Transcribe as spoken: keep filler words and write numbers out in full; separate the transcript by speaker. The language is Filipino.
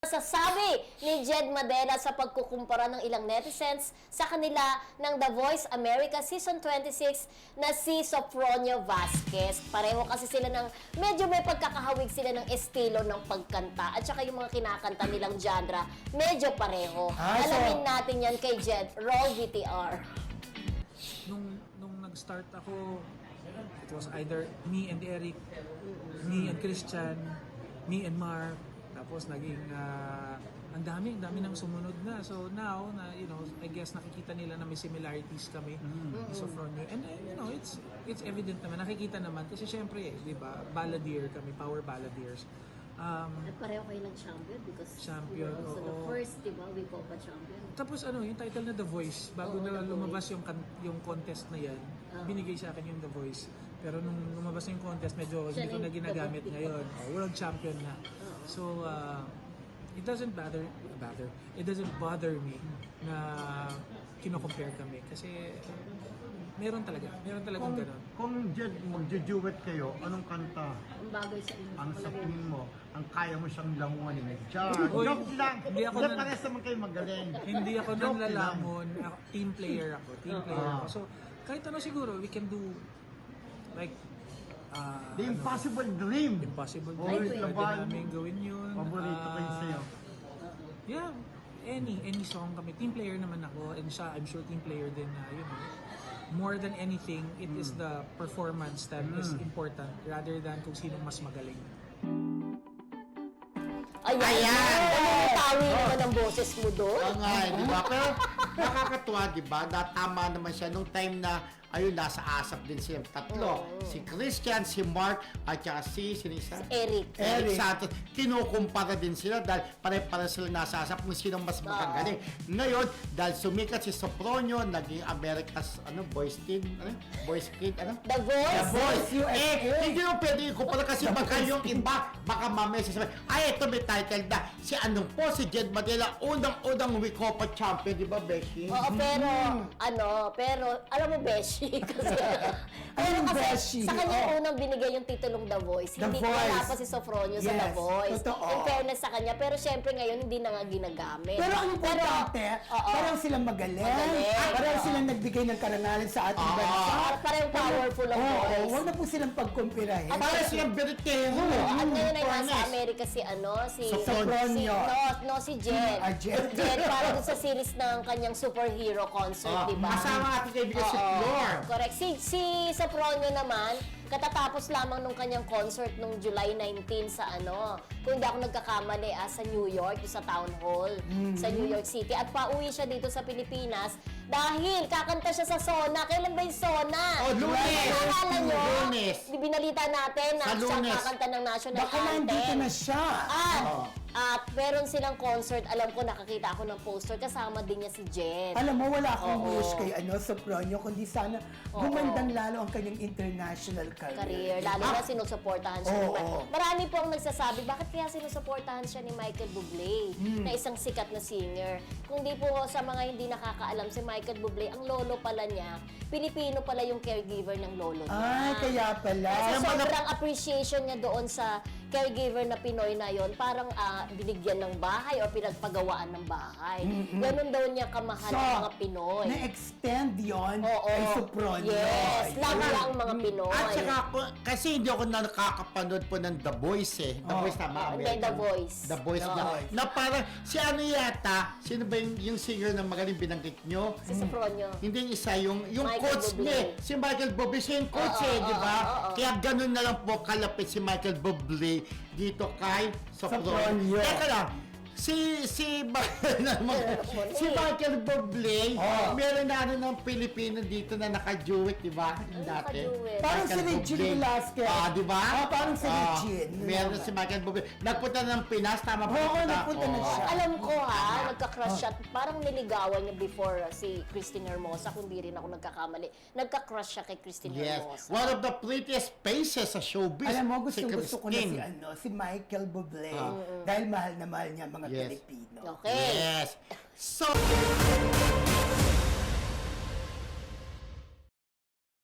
Speaker 1: Sasabi ni Jed Madela sa pagkukumpara ng ilang netizens sa kanila ng The Voice America Season twenty-six na si Sofronio Vasquez. Pareho kasi sila ng, medyo may pagkakahawig sila ng estilo ng pagkanta at saka yung mga kinakanta nilang genre, medyo pareho.
Speaker 2: Ah, so-
Speaker 1: Alamin natin yan kay Jed. Roll V T R.
Speaker 3: Nung, nung nag-start ako, it was either me and Eric, me and Christian, me and Mark. Tapos naging ah, ang dami, ang dami nang sumunod na. So now, na you know, I guess nakikita nila na may similarities kami ni Sofronio. And uh, you know, it's it's evident naman, nakikita naman kasi syempre, eh, 'di ba? Balladeer kami, power balladeers. Um,
Speaker 1: At pareho kayo ng champion because
Speaker 3: Champion,
Speaker 1: you know, so the
Speaker 3: oo.
Speaker 1: first, di ba, we call pa champion.
Speaker 3: Tapos ano, yung title na The Voice, bago
Speaker 1: Oo,
Speaker 3: na
Speaker 1: The
Speaker 3: lumabas yung kan- yung contest na yan,
Speaker 1: Oo.
Speaker 3: binigay sa akin yung The Voice. Pero nung lumabas yung contest, medyo
Speaker 1: Siya
Speaker 3: hindi ko
Speaker 1: na
Speaker 3: na
Speaker 1: yung
Speaker 3: ginagamit
Speaker 1: The Voice.
Speaker 3: ngayon. Oh, world champion na. So, uh, it doesn't bother, bother, it doesn't bother me na kino-compare kami. Kasi meron talaga, meron talagang
Speaker 2: Kung,
Speaker 3: ganun.
Speaker 2: kung Jed, magjo-duet kayo, anong kanta
Speaker 1: Ang bagay sa inyo.
Speaker 2: ang sa tingin mo, ang kaya mo siyang langunin? Diyan,
Speaker 3: Uy,
Speaker 2: joke lang.
Speaker 3: hindi ako
Speaker 2: Hindi,
Speaker 3: nan-
Speaker 2: parehas naman kayo magaling.
Speaker 3: Hindi ako
Speaker 2: Joke
Speaker 3: nanlalamon, ako, team player ako, team player
Speaker 2: Ah.
Speaker 3: ako. So, kahit ano siguro, we can do like, uh,
Speaker 2: The Impossible Dream.
Speaker 3: Impossible
Speaker 2: Oh,
Speaker 3: Dream.
Speaker 2: ito
Speaker 3: Pwede
Speaker 2: ba?
Speaker 3: namin gawin yun.
Speaker 2: Paborito ko yun
Speaker 3: Ah,
Speaker 2: sa'yo.
Speaker 3: Yeah, any any song kami. Team player naman ako and siya, I'm sure team player din na, you know, more than anything, it is the performance that is important rather than kung sino mas magaling.
Speaker 1: Ayan!
Speaker 4: Ayan!
Speaker 1: Tawi naman ang boses mo doon.
Speaker 4: Oo nga, eh, di ba? Pero nakakatuwa, di ba? Na tama naman siya nung time na ayun, nasa asap din silang tatlo.
Speaker 1: Oo.
Speaker 4: Si Christian, si Mark, at saka si, sino isa?
Speaker 1: Eric.
Speaker 4: Eric
Speaker 2: Eric.
Speaker 4: Santos. Kinukumpara din sila dahil pare-pare sila nasa asap kung sino mas magagaling. Ngayon, dahil sumikat si Sofronio, naging America's ano, Boys Team, ano? Boys Kid, ano?
Speaker 1: The Voice.
Speaker 4: The Voice.
Speaker 2: U S A.
Speaker 4: Eh, hindi mo pwede ikumpara kasi baka yung iba, baka mamaya sasabihin, ay, ito may title na. Si ano po, si Jed Madela, unang-unang Wicopa champion, di ba, Beshi?
Speaker 1: Oo, pero, ano, pero, alam mo, Beshi, kasi, pero
Speaker 2: Anong
Speaker 1: kasi,
Speaker 2: Beshi?
Speaker 1: sa kanya
Speaker 2: Oh.
Speaker 1: unang binigay yung titulong The Voice.
Speaker 2: The
Speaker 1: hindi
Speaker 2: Voice.
Speaker 1: wala pa si Sofronio sa The
Speaker 2: Yes,
Speaker 1: Voice.
Speaker 2: totoo.
Speaker 1: In fairness sa kanya, pero syempre ngayon, hindi na nga ginagamit.
Speaker 5: Pero ang importante,
Speaker 1: oo.
Speaker 5: parang silang magaling,
Speaker 1: Magaling.
Speaker 5: parang
Speaker 1: Oo.
Speaker 5: silang nagbigay ng karangalan sa ating
Speaker 4: Ah.
Speaker 5: bansa.
Speaker 1: Para parang powerful ang
Speaker 5: Oo,
Speaker 1: voice.
Speaker 5: huwag na po silang pagkumpirahin.
Speaker 1: At-
Speaker 4: Para silang Beritero.
Speaker 1: Oo, at ngayon ay nasa
Speaker 4: Fairness.
Speaker 1: Amerika si ano, si...
Speaker 5: Sofronio.
Speaker 1: Si, no, no, si Jed.
Speaker 5: Ah, Jed.
Speaker 1: Jed, para dun sa series ng kanyang superhero concert,
Speaker 4: Ah,
Speaker 1: di ba?
Speaker 4: kasama ang ating kaibigan si
Speaker 1: Oo,
Speaker 4: Flor.
Speaker 1: correct. Si, si Sofronio naman, katatapos lamang nung kanyang concert nung July nineteenth sa ano, kung hindi ako nagkakamali, ah, sa New York, yung sa Town Hall, sa New York City. At pauwi siya dito sa Pilipinas dahil kakanta siya sa Sona. Kailan ba yung Sona?
Speaker 4: Oh, Lunes.
Speaker 1: Naalala nyo?
Speaker 4: Lunes.
Speaker 1: Di binalita natin na
Speaker 4: Sa
Speaker 1: siya
Speaker 4: Lunes.
Speaker 1: kakanta ng national
Speaker 5: Baka
Speaker 1: anthem.
Speaker 5: nandito na siya.
Speaker 1: At,
Speaker 4: Oo.
Speaker 1: at meron silang concert, alam ko, nakakita ako ng poster, kasama din niya si Jen.
Speaker 5: Alam mo, wala akong
Speaker 1: Oo.
Speaker 5: wish kay ano, Sofronio, kundi sana
Speaker 1: Oo.
Speaker 5: gumandang lalo ang kanyang international career.
Speaker 1: Career, lalo na sinusuportahan siya ni
Speaker 5: Oo.
Speaker 1: Michael. Marami po ang nagsasabi, bakit kaya sinusuportahan siya ni Michael Bublé,
Speaker 5: Hmm.
Speaker 1: na isang sikat na singer. Kung di po sa mga hindi nakakaalam, si Michael Bublé, ang lolo pala niya, Pilipino pala yung caregiver ng lolo niya.
Speaker 5: Ay, kaya pala.
Speaker 1: Kasi
Speaker 4: Kaya mga-
Speaker 1: sobrang appreciation niya doon sa caregiver na Pinoy na yon, parang ah, binigyan ng bahay o pinagpagawaan ng bahay. Ganun daw niya kamahal
Speaker 5: So,
Speaker 1: ang mga Pinoy.
Speaker 5: na-extend yon
Speaker 1: Oo.
Speaker 5: kay Sofronio.
Speaker 1: Yes, love
Speaker 5: Ayun.
Speaker 1: niya ang mga Pinoy.
Speaker 4: At saka ako, kasi hindi ako na nakakapanood po ng The Voice eh. The
Speaker 5: Oh.
Speaker 4: Voice tama,
Speaker 1: Oh, hindi,
Speaker 4: American.
Speaker 1: The Voice.
Speaker 4: The Voice
Speaker 1: Oh.
Speaker 4: na, na parang, si ano yata, sino ba yung, yung singer na magaling binanggit nyo?
Speaker 1: Si Sofronio.
Speaker 4: Hindi yung isa, yung, yung
Speaker 1: Michael
Speaker 4: coach
Speaker 1: Bublé.
Speaker 4: niya. Si Michael Bublé, siya yung coach
Speaker 1: Oo,
Speaker 4: eh,
Speaker 1: oo,
Speaker 4: di ba?
Speaker 1: oo, oo.
Speaker 4: Kaya ganun na lang po kalapit si Michael Bublé dito kay Sofronio.
Speaker 5: Sofronio.
Speaker 4: Teka lang, si si si Michael Bublé,
Speaker 5: Oh.
Speaker 4: meron na ano ng Pilipino dito na naka-duet, di ba? Dati.
Speaker 1: naka-duet?
Speaker 5: Parang si
Speaker 4: Michael
Speaker 5: Regine
Speaker 4: Bublé.
Speaker 5: Velasquez.
Speaker 4: Ah, di ba?
Speaker 5: Ah, parang si
Speaker 4: Ah,
Speaker 5: Regine.
Speaker 4: meron si Michael Bublé. Nagpunta ng Pinas, tama ba?
Speaker 5: Oo, nagpunta na
Speaker 4: Oo.
Speaker 5: siya.
Speaker 1: Alam ko ha, nagka-crush siya. Parang niligawan niya before uh, si Christine Hermosa, kung di rin ako nagkakamali. Nagka-crush siya kay Christine
Speaker 4: Yes.
Speaker 1: Hermosa.
Speaker 4: One of the prettiest faces sa showbiz.
Speaker 5: Alam mo, gusto,
Speaker 4: si
Speaker 5: gusto ko na si,
Speaker 4: Christine.
Speaker 5: ano, si Michael Bublé.
Speaker 4: Ah.
Speaker 5: Dahil mahal na mahal niya ang mga
Speaker 4: Yes.
Speaker 5: Pilipino.
Speaker 1: Okay.
Speaker 4: Yes. So,